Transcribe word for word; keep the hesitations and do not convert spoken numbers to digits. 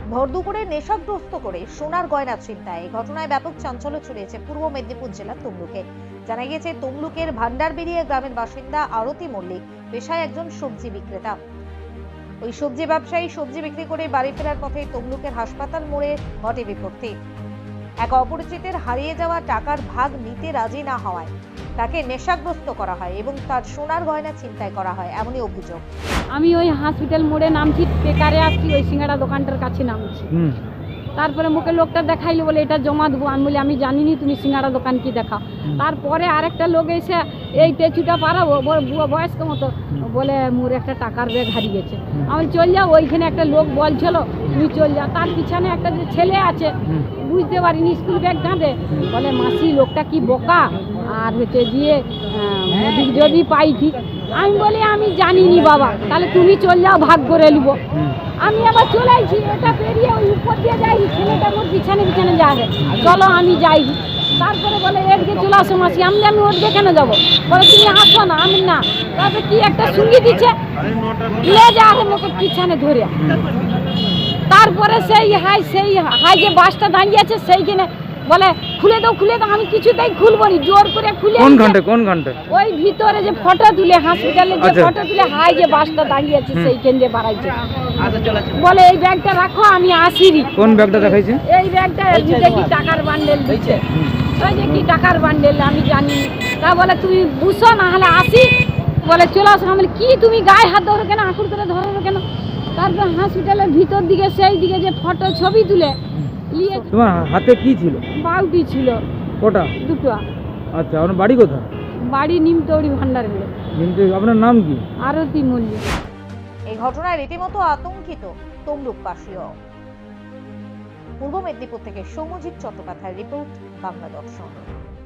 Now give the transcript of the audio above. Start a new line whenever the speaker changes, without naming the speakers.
ভর দুপুরে নেশাগ্রস্ত করে সোনার গয়না ছিনতাই। এই ঘটনায় ব্যাপক চাঞ্চল্য ছড়িয়েছে পূর্ব মেদিনীপুর জেলার তমলুকে। জানা গিয়েছে তমলুকের ভান্ডারবেড়িয়া গ্রামের বাসিন্দা আরতি মল্লিক পেশায় একজন সবজি বিক্রেতা। ওই সবজি ব্যবসায়ী সবজি বিক্রি করে বাড়ি ফেরার পথে তমলুকের হাসপাতাল মোড়ে ঘটে বিপত্তি। এক অপরিচিতের হারিয়ে যাওয়া টাকার ভাগ নিতে রাজি না হওয়ায় তাকে নেশাগ্রস্ত করা হয় এবং তার সোনার গয়না ছিনতাই করা হয়, এমনই অভিযোগ।
আমি ওই হসপিটাল মোড়ে নামছি, পেকারে আসছি, ওই সিঙ্গাড়া দোকানটার কাছে নামছি। তারপরে মুখে লোকটা দেখাইলো, বলে এটা জমা দেবো। আমি বলি আমি জানিনি তুমি সিঙ্গাড়া দোকান কি দেখাও। তারপরে আরেকটা লোক এসে এই টেচুটা পারাবো বয়স্ক মতো বলে মোর একটা টাকার ব্যাগ হারিয়েছে। আমি চল যাও, ওইখানে একটা লোক বলছিল তুমি চল যাও। তার পিছনে একটা যে ছেলে আছে, বুঝতে পারিনি স্কুল ব্যাগ কাঁধে, বলে মাসি লোকটা কি বোকা, আর হচ্ছে গিয়ে যদি পাই ঠিক। আমি বলি আমি জানিনি বাবা, তাহলে তুমি চল যাও, ভাগ করে নিব। আমি আবার চলে আইছি, এটা পেরিয়ে ওই উপর দিয়ে যাই, ছেলেটা মোর পিছনে পিছনে যাবে, চলো আমি যাই। তারপরে বলে এদিকে চলে আসো মাসি। আমি আমি ওর যেখানে যাবো, বলে তুমি আসো না। আমি না, তারপরে কি একটা সঙ্গী দিচ্ছে, লে যা লোকে পিছনে ধরে। তারপরে সেই হাই সেই হাই যে বাসটা দাঁড়িয়ে আছে সেইখানে বলে খুলে দাও খুলে দাও। আমি কিছুতেই খুলবো নি, জোর করে খুলে।
কোন ঘন্টা কোন ঘন্টা
ওই ভিতরে যে ফটো তুলে হসপিটালে যে ফটো তুলে হাই যে বাসটা দাঁড়িয়ে আছে সেইখান দিয়ে বাড়াইছে। বলে এই ব্যাগটা রাখো, আমি আসিনি।
কোন ব্যাগটা দেখাইছে? এই
ব্যাগটা দিতে কি টাকার বান্ডেল দিচ্ছে, ওই যে কি টাকার বান্ডেল আমি জানি। তা বলে তুমি বুঝো না হলে আসি, বলে চলে আসো। আমি কি তুমি গায়ে হাত ধরো কেন, আঁকুড় করে ধরো কেন? তারপর হসপিটালের ভিতর দিকে সেই দিকে যে ফটো ছবি তুলে নিয়ে।
তোমার হাতে কি ছিল?
বাউটি ছিল।
কটা?
দুটো।
আচ্ছা, আপনার বাড়ি কোথায়?
বাড়ি নিমতৌড়ি ভান্ডারবেড়ে।
নিমতৌড়ি। আপনার নাম কি?
আরতি মল্লিক।
এই ঘটনায় রীতিমতো আতঙ্কিত তমলুকবাসীও। পূর্ব মেদিনীপুর থেকে সৌম্যজিৎ চট্টোপাধ্যায়ের রিপোর্ট, বাংলা দর্শন।